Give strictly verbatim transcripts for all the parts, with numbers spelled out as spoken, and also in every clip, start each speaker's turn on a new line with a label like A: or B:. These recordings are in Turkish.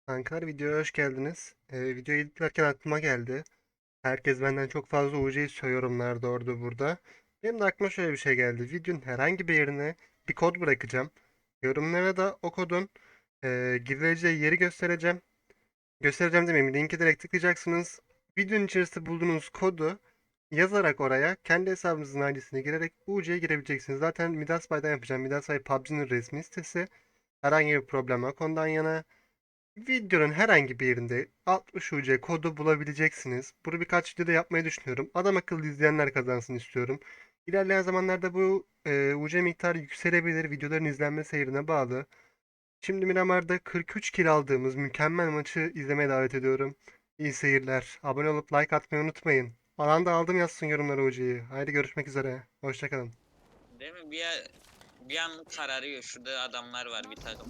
A: Kankalar videoya hoş geldiniz. Ee, videoyu editlerken aklıma geldi. Herkes benden çok fazla U C istiyor yorumlarda orada burada. Benim de aklıma şöyle bir şey geldi. Videonun herhangi bir yerine bir kod bırakacağım. Yorumlara da o kodun e, girileceği yeri göstereceğim. Göstereceğim demeyeyim. Linki direkt tıklayacaksınız. Videonun içerisinde bulduğunuz kodu yazarak oraya kendi hesabınızın I D'sine girerek U C'ye girebileceksiniz. Zaten Midas Bay'dan yapacağım. Midas Bay P U B G'nin resmi sitesi. Herhangi bir problem yok ondan yana. Videonun herhangi bir yerinde altmış U C kodu bulabileceksiniz. Bunu birkaç videoda yapmayı düşünüyorum. Adam akıllı izleyenler kazansın istiyorum. İlerleyen zamanlarda bu e, U C miktarı yükselebilir. Videoların izlenme seyrine bağlı. Şimdi Miramar'da kırk üç kill aldığımız mükemmel maçı izlemeye davet ediyorum. İyi seyirler. Abone olup like atmayı unutmayın. Alanda aldım yazsın yorumlara U C'yi. Haydi görüşmek üzere. Hoşçakalın.
B: Değil mi? Bir, bir an kararıyor. Şurada adamlar var bir takım.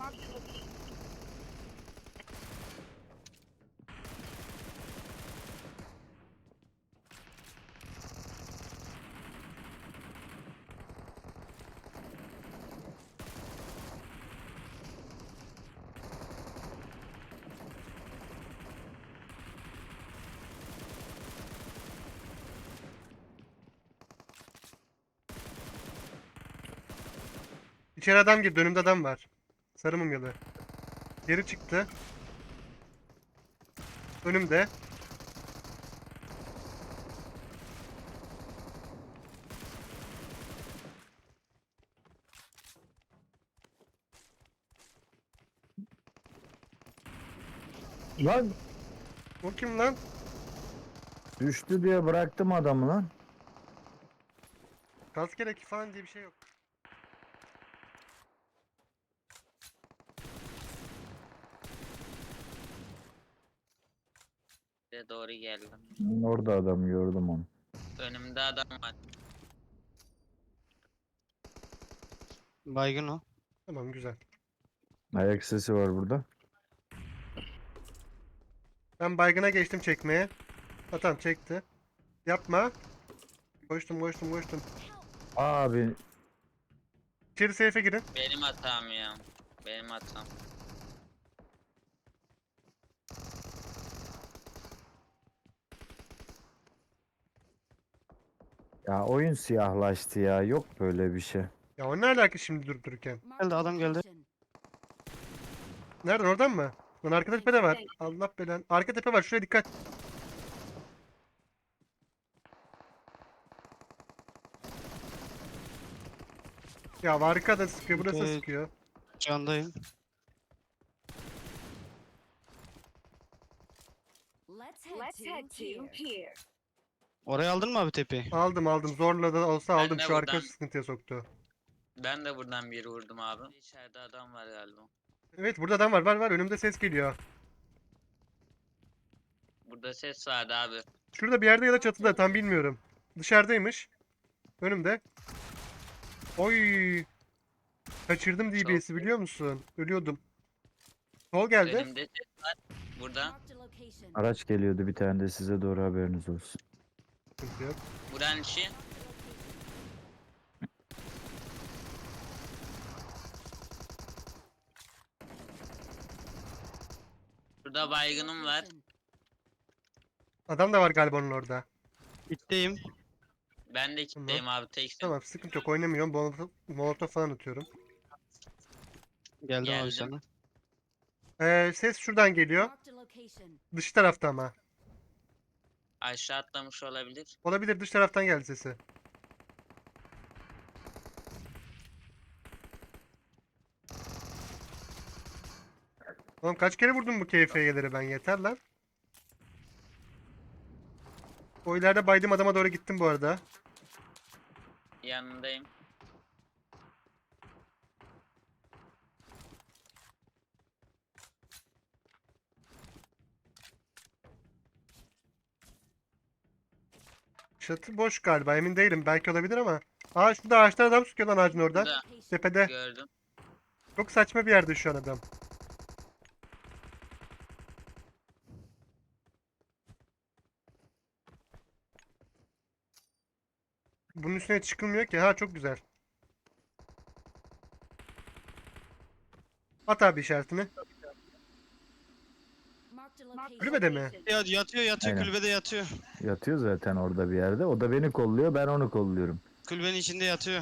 A: İçeri adam girdi. Önümde adam var. Sarı mumyalı. Geri çıktı. Önümde.
C: Lan
A: O kim lan?
C: düştü diye bıraktım adamı lan.
A: Gaz gerek falan diye bir şey yok.
B: Size doğru geldim.
C: Orada adam gördüm onu.
B: Önümde adam var.
D: Baygın o.
A: Tamam güzel.
C: Ayak sesi var burada.
A: Ben baygına geçtim çekmeye. Ha tamam çekti. Yapma. Koştum koştum koştum.
C: Abi
A: İçeri seyfe girin.
B: Benim hatam ya. Benim hatam.
C: ya oyun siyahlaştı ya. Yok böyle bir şey.
A: Ya o ne alaka şimdi durup dururken?
D: Geldi, adam geldi.
A: Nereden oradan mı? Lan arka tepede var. Allah belan. Arka tepe var şuraya dikkat. Ya arka da sıkıyor burası da
D: Evet.
A: sıkıyor.
D: Candayım.
E: Let's head to here.
D: Oraya aldın mı abi tepeyi?
A: Aldım aldım zorla da olsa
B: Ben
A: aldım
B: de
A: şu arka
B: buradan-
A: sıkıntıya soktu.
B: Ben de buradan bir vurdum abi. İçeride adam var galiba.
A: Evet burada adam var var var önümde ses geliyor.
B: Burada ses vardı abi.
A: Şurada bir yerde ya da çatıda tam bilmiyorum. Dışarıdaymış. Önümde. Oy. Kaçırdım D B S'i biliyor musun? Ölüyordum. Sol geldi.
B: Önümde ses var. Burada.
C: Araç geliyordu bir tane de size doğru haberiniz olsun.
A: Sıkıntı yok.
B: Buranın içi. Burada baygınım var.
A: Adam da var galiba onun orada.
D: İtteyim.
B: Ben de kitleyim abi teksin.
A: Tamam sıkıntı yok oynamıyorum. Molotof, molotof falan atıyorum.
D: Geldim
B: Geldim.
D: abi sana.
A: Ee, ses şuradan geliyor. Dış tarafta ama.
B: Aşağı atlamış olabilir.
A: Olabilir dış taraftan geldi sesi. Oğlum kaç kere vurdum bu K F Y'leri ben yeter lan. O ileride baydığım adama doğru gittim bu arada.
B: Yanındayım.
A: Çatı boş galiba emin değilim belki olabilir ama. Aa şurada ağaçtan adam sıkıyor lan ağacın oradan.
B: Burada
A: Tepede.
B: gördüm.
A: Çok saçma bir yerde şu an adam. Bunun üstüne çıkılmıyor ki. Ha çok güzel. At abi işaretini.
E: Marked a location.
A: Kulübede mi?
D: Ya, yatıyor yatıyor
C: Aynen.
D: kulübede yatıyor.
C: Yatıyor zaten orada bir yerde. O da beni kolluyor, ben onu kolluyorum.
D: Kulübenin içinde yatıyor.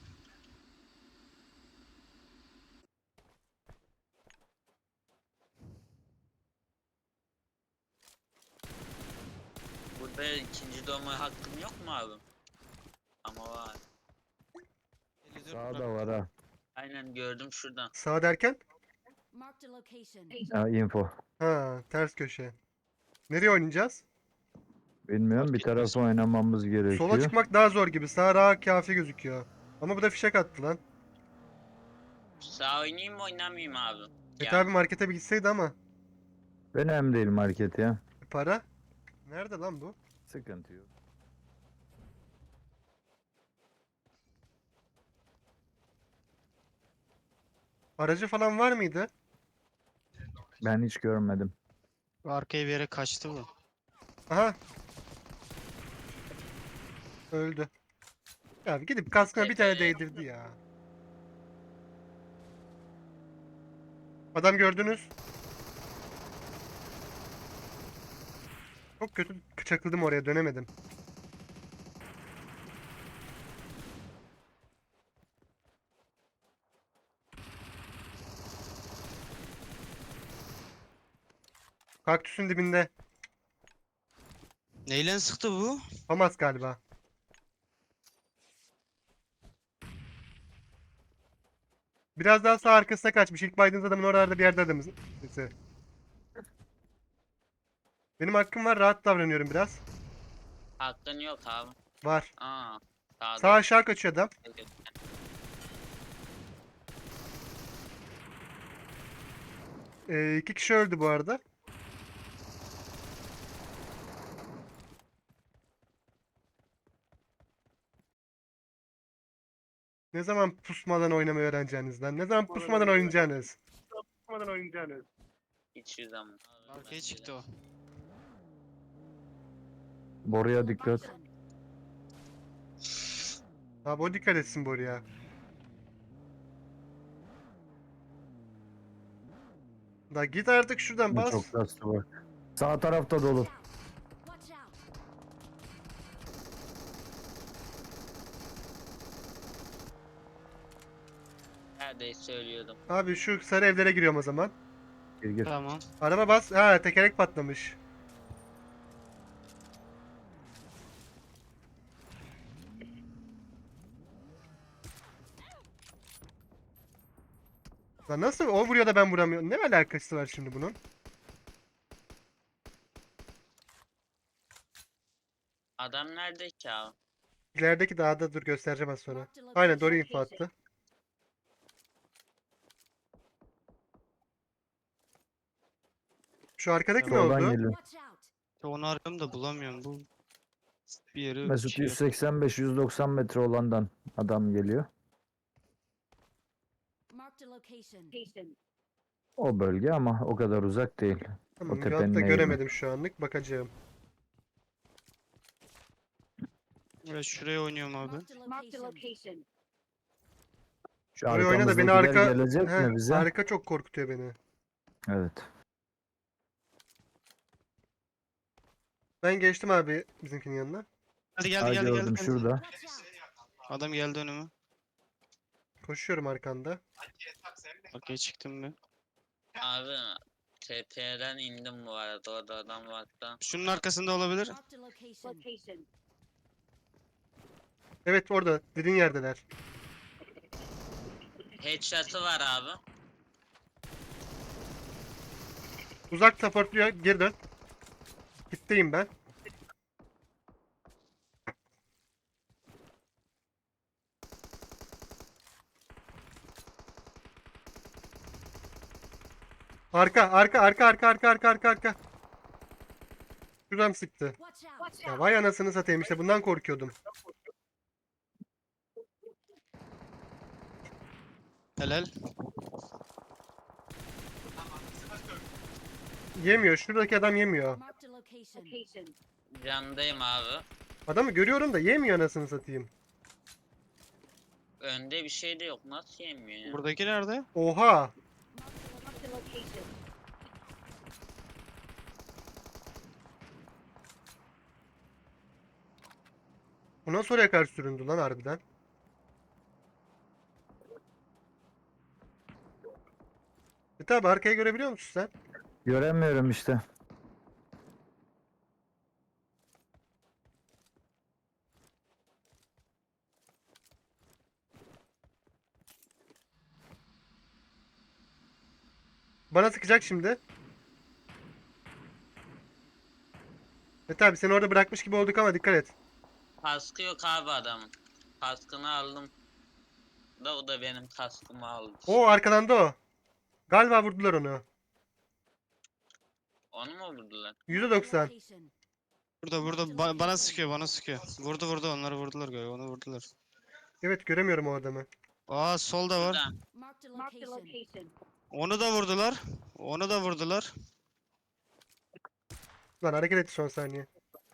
B: Burada ikinci doğma hakkım yok mu abi? Ama var.
C: Sağda var ha.
B: Aynen gördüm şuradan.
A: Sağ derken?
E: Marked a location.
C: Ha, info.
A: Ha, ters köşe. Nereye oynayacağız?
C: Bilmiyorum,
B: Fark
C: bir
B: etmez.
C: tarafa oynamamız
A: Sola
C: gerekiyor.
A: çıkmak daha zor gibi. Sağ rahat kafi gözüküyor. Ama bu da fişek attı lan.
B: Sağ oynayayım mı oynamayayım abi?
A: Mete abi markete bir gitseydi ama.
C: Önemli değil market ya.
A: Para? Nerede lan bu?
C: Sıkıntı yok.
A: Aracı falan var mıydı?
C: Ben hiç görmedim.
D: Arkaya bir yere kaçtı bu.
A: Aha. Öldü. Ya gidip kaskına bir tane değdirdi ya. Adam gördünüz. Çok kötü çakıldım oraya, dönemedim. Kaktüsün dibinde.
D: Neyle sıktı bu?
A: Famas galiba. Biraz daha sağ arkasına kaçmış. İlk baydığınız adamın oralarda bir yerde adamız. Neyse. Benim hakkım var. Rahat davranıyorum biraz.
B: Hakkın yok abi.
A: Var.
B: Aa. Sağda.
A: Sağ aşağı kaçıyor adam. Ee, iki kişi öldü bu arada. Ne zaman pusmadan oynamayı öğreneceğiniz lan? Ne zaman pusmadan oynayacaksınız?
B: Hiç yüz ama.
D: Arkaya çıktı o.
C: Boruya dikkat.
E: Location.
A: Abi o dikkat etsin buraya. Da git artık şuradan bas.
C: Çok kastı bak. Sağ tarafta dolu.
E: Watch out.
B: Neredeyse söylüyordum.
A: Abi şu sarı evlere giriyorum o zaman.
C: Gir gir.
D: Tamam.
A: Araba bas. Ha, tekerlek patlamış. Lan nasıl o vuruyor da ben vuramıyorum? Ne alakası var şimdi bunun?
B: Adam nerede ki abi?
A: İlerideki dağda, dur göstereceğim az sonra.
E: Marked a
A: Aynen doğru
E: location.
A: info attı. Şu arkadaki ne
C: Soldan
A: oldu?
C: geliyor.
E: Watch out.
D: Ya onu arıyorum bulamıyorum. Bu bir yeri
C: Mesut
D: şey-
C: yüz seksen beş yüz doksan metre olandan adam geliyor.
E: Marked a location.
C: O bölge ama o kadar uzak değil.
A: Tamam,
C: tepenin
A: hatta
C: eğimi.
A: göremedim şu anlık. Bakacağım.
D: Evet, şuraya oynuyorum abi.
E: Marked a location.
C: Şu
A: Oraya oyna da beni
C: arkamızdakiler
A: arka...
C: gelecek
A: Heh,
C: mi bize?
A: arka çok korkutuyor beni.
C: Evet.
A: Ben geçtim abi bizimkinin yanına.
D: Hadi geldi
C: Ha,
D: geldi geldi.
C: gördüm
D: geldi.
C: şurada.
E: Watch out.
D: Adam geldi önüme.
A: Koşuyorum arkanda.
D: Arkaya çıktım ben.
B: Abi T P'den indim bu arada. Orada adam vardı.
D: Şunun arkasında olabilir.
E: Marked a location.
A: Evet orada. Dediğin yerdeler.
B: Headshot'ı var abi.
A: Uzak supportluyor. Geri dön. Gitteyim ben. Arka, arka, arka, arka, arka, arka, arka, arka. Şuradan sıktı.
E: Watch out.
A: Ya vay anasını satayım, işte bundan korkuyordum.
D: Helal.
A: Yemiyor. Şuradaki adam yemiyor.
E: Marked a location.
B: Candayım abi.
A: Adamı görüyorum da yemiyor anasını satayım.
B: Önde bir şey de yok. Nasıl yemiyor ya?
D: Buradaki nerede?
A: Oha.
E: Marked a location.
A: Bu nasıl oraya karşı süründü lan harbiden? E tabi arkayı görebiliyor musun sen?
C: Göremiyorum işte.
A: Bana sıkacak şimdi. E tabi seni orada bırakmış gibi olduk ama dikkat et.
B: Kaskı yok abi adamın. Kaskını aldım. Da o da benim kaskımı aldı.
A: O arkadan da o. Galiba vurdular onu.
B: Onu mu vurdular?
A: yüzde
E: Marked a
A: doksan.
E: location.
D: Burada burada ba- bana sıkıyor bana sıkıyor. Vurdu vurdu onları vurdular galiba onu vurdular.
A: Evet göremiyorum o adamı.
D: Aa solda var.
B: Burada.
E: Marked a Marked a location. location.
D: Onu da vurdular. Onu da vurdular.
A: Lan hareket etti son saniye.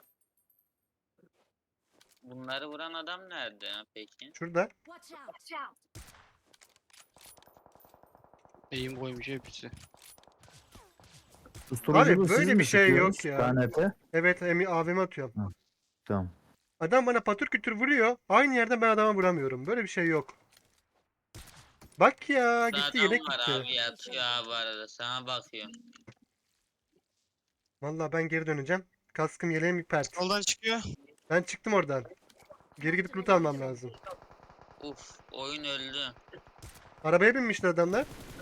B: Bunları vuran adam nerede ya peki?
A: Şurada.
E: Watch out. Watch out.
D: Eğim koymuş hepsi.
C: Susturuculu
A: Abi,
C: siz
A: böyle
C: mi
A: bir şey yok
C: sıkıyorsunuz
A: ya.
C: K N T?
A: Evet emi A V M atıyorum.
C: Tamam.
A: Adam bana patır kütür vuruyor. Aynı yerden ben adama vuramıyorum. Böyle bir şey yok. Bak ya
B: Burada
A: gitti
B: adam
A: yelek
B: var
A: gitti.
B: abi yatıyor abi arada sana bakıyor.
A: Vallahi ben geri döneceğim. Kaskım yeleğim bir pert.
D: Soldan çıkıyor.
A: Ben çıktım oradan. Geri gidip loot almam lazım.
B: Uf oyun öldü.
A: Arabaya binmişler adamlar.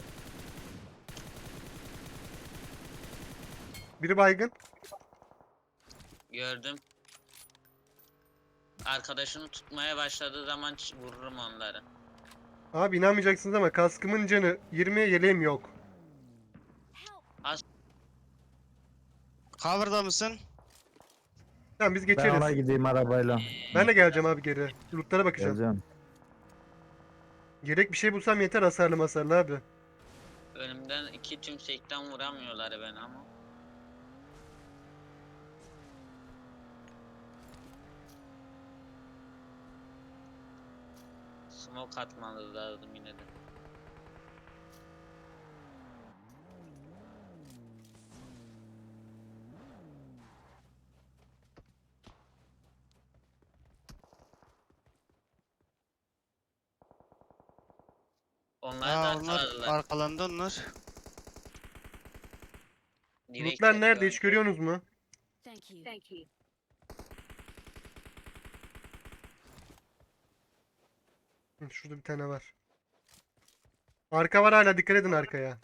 A: Biri baygın.
B: Gördüm. Arkadaşını tutmaya başladığı zaman ç- vururum onları.
A: Abi inanmayacaksınız ama kaskımın canı yirmi, yeleğim yok.
E: Help.
D: Cover'da mısın?
A: Tamam biz
C: Ben
A: geçeriz.
C: ona gideyim arabayla.
A: Ben de geleceğim abi geri. Lootlara bakacağım.
C: Geleceğim.
A: Gerek bir şey bulsam yeter hasarlı masarlı abi.
B: Önümden iki tümsekten vuramıyorlar beni ama. Smoke atmanız lazım yine de. Onlar da
D: Aa onlar
B: arkaladılar.
D: arkalandı onlar.
B: Direkt
A: Lootlar nerede
B: yapıyor.
A: hiç görüyorsunuz mu?
E: Thank you. Thank you.
A: Hı, şurada bir tane var. Arka var hala dikkat edin arkaya.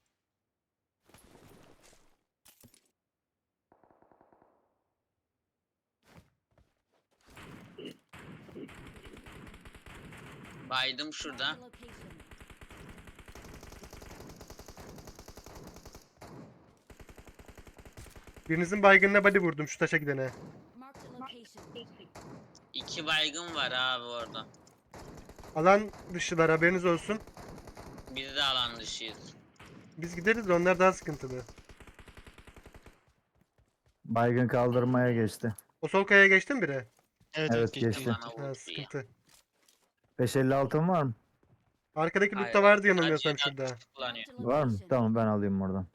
B: Baydım şurada.
E: Marked a location.
A: Birinizin baygınına body vurdum şu taşa gidene.
E: Marked a location.
B: İki baygın var abi orada.
A: Alan dışılar haberiniz olsun.
B: Biz de alan dışıyız.
A: Biz gideriz de onlar daha sıkıntılı.
C: Baygın kaldırmaya geçti.
A: O sol kayaya geçti mi biri?
D: Evet
C: Evet,
D: evet geçti.
C: geçti.
B: Bana
A: Ha
B: vurdu ya.
A: sıkıntı.
C: beş elli altın var mı?
A: Arkadaki
B: Hayır,
A: lootta vardı
B: sadece
A: yanılmıyorsam şurada.
B: yakıt kullanıyor.
E: Marked a
C: Var mı?
E: location.
C: Tamam ben alayım oradan.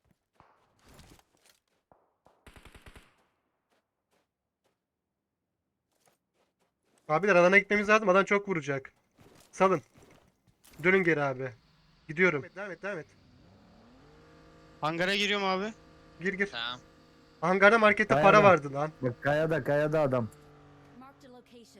A: Abiler alana gitmemiz lazım. Adam çok vuracak. Salın. Dönün geri abi. Gidiyorum. Devam et devam et.
D: Hangara giriyorum abi.
A: Gir gir.
B: Tamam.
A: Hangarda markette
C: Kayada.
A: para vardı lan.
C: Bak kayada kayada adam.
E: Marked a location.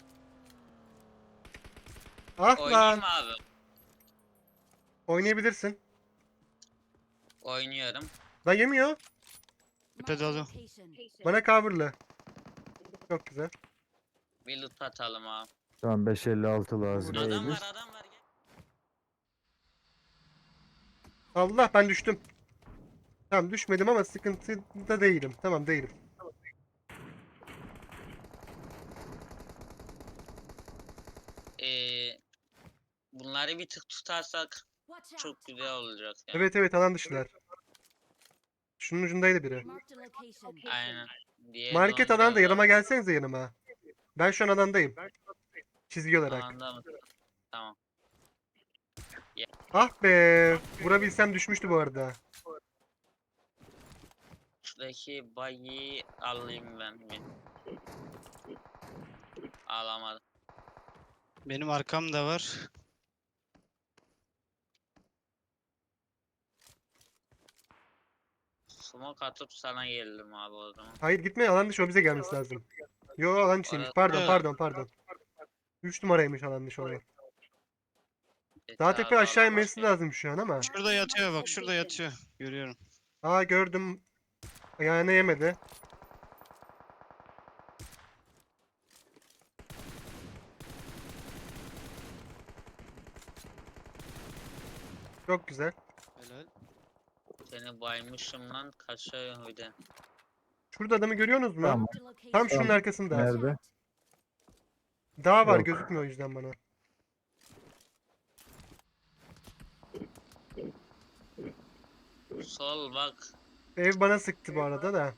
A: Ah
B: Oynayayım
A: lan.
B: abi.
A: Oynayabilirsin.
B: Oynuyorum.
A: Lan yemiyor.
E: Marked a
D: dolu.
E: location.
A: Bana coverlı. Çok güzel.
B: Bir loot atalım abi.
C: Tamam beş elli altı lazım.
A: Adam
B: Adam
C: değilmiş.
B: var adam var. Gel.
A: Allah ben düştüm. Tamam düşmedim ama sıkıntıda değilim. Tamam değilim.
B: Ee, bunları bir tık tutarsak
E: Watch out.
B: çok güzel olacak ya.
A: Evet evet alan dışılar. Şunun ucundaydı biri.
E: Marked a location.
B: Aynen. Diğeri
A: Market
B: de onu
A: alanda
B: biraz
A: yanıma gelsenize yanıma. Ben şu an alandayım. Çizgi
B: daha-
A: olarak.
B: Alanda mı? Tamam.
A: Ah be. Vurabilsem düşmüştü bu arada.
B: Şuradaki bayi alayım ben bir. Alamadım.
D: Benim arkam da var.
B: Smoke atıp sana geldim abi o zaman.
A: Hayır gitme, alan dışı, o bize gelmesi lazım. Yo, alan içiymiş.
B: Orası-
A: Pardon
D: Evet.
A: pardon pardon. üç numaraymış alan dışı olan. Daha
B: Yeter
A: tekrar
B: abi,
A: aşağı
B: alan
A: inmesi
B: dışı.
A: lazım şu an ama.
D: Şurada yatıyor bak, şurada yatıyor. Görüyorum.
A: Aa, gördüm. Ayağına yemedi. Çok güzel.
D: Helal.
B: Seni baymışım lan, kaçıyor bir de.
A: Şurada adamı görüyorsunuz mu?
C: Tamam.
E: Marked a location.
A: Tam şunun
C: Tamam.
A: arkasında.
C: Nerede?
A: Dağ var,
C: Yok.
A: gözükmüyor o yüzden bana.
B: Sol bak.
A: Ev bana sıktı bu arada da.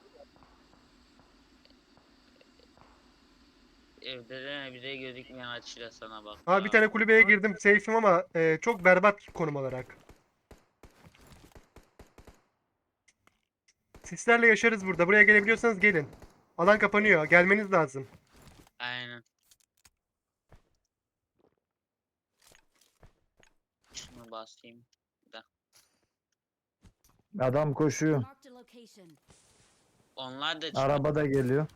B: Evde de bize gözükmeyen açıyla sana bak.
A: Aa, bir tane kulübeye girdim. Safe'im ama e, çok berbat konum olarak. Sislerle yaşarız burada. Buraya gelebiliyorsanız gelin. Alan kapanıyor. Gelmeniz lazım.
B: Aynen. Şunu basayım.
C: Adam koşuyor.
E: Marked a location.
B: Onlar da çıkıyor.
C: Araba da geliyor.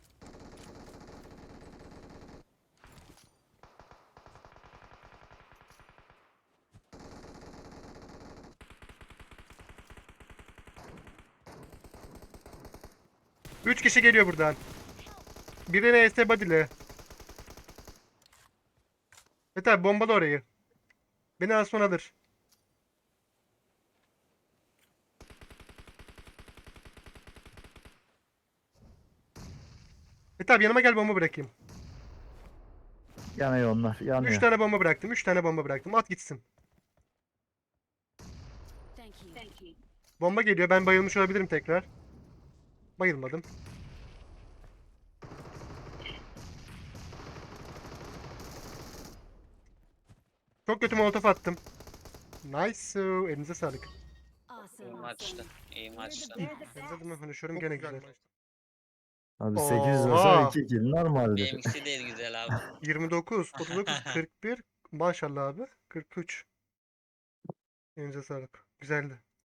A: Üç kişi geliyor buradan. Biri ne S body'li. Evet abi, bombalı orayı. Beni az sonra alır. Evet abi, yanıma gel, bomba bırakayım.
C: Yanıyor onlar. Yanıyor.
A: Üç tane bomba bıraktım. Üç tane bomba bıraktım. At gitsin.
E: Thank you.
A: Bomba geliyor. Ben bayılmış olabilirim tekrar. Bayılmadım. Çok kötü molotof attım. Nice. Elinize sağlık.
B: İyi
E: Awesome.
B: maçtı. İyi maçtı.
A: Elinize de konuşuyorum, gene güzel.
C: Abi sekiz
A: Oha.
C: olsa iki kill normaldir.
B: Benimkisi de güzel abi.
A: yirmi dokuz, otuz dokuz, kırk bir. Maşallah abi. kırk üç. Elinize sağlık. Güzeldi.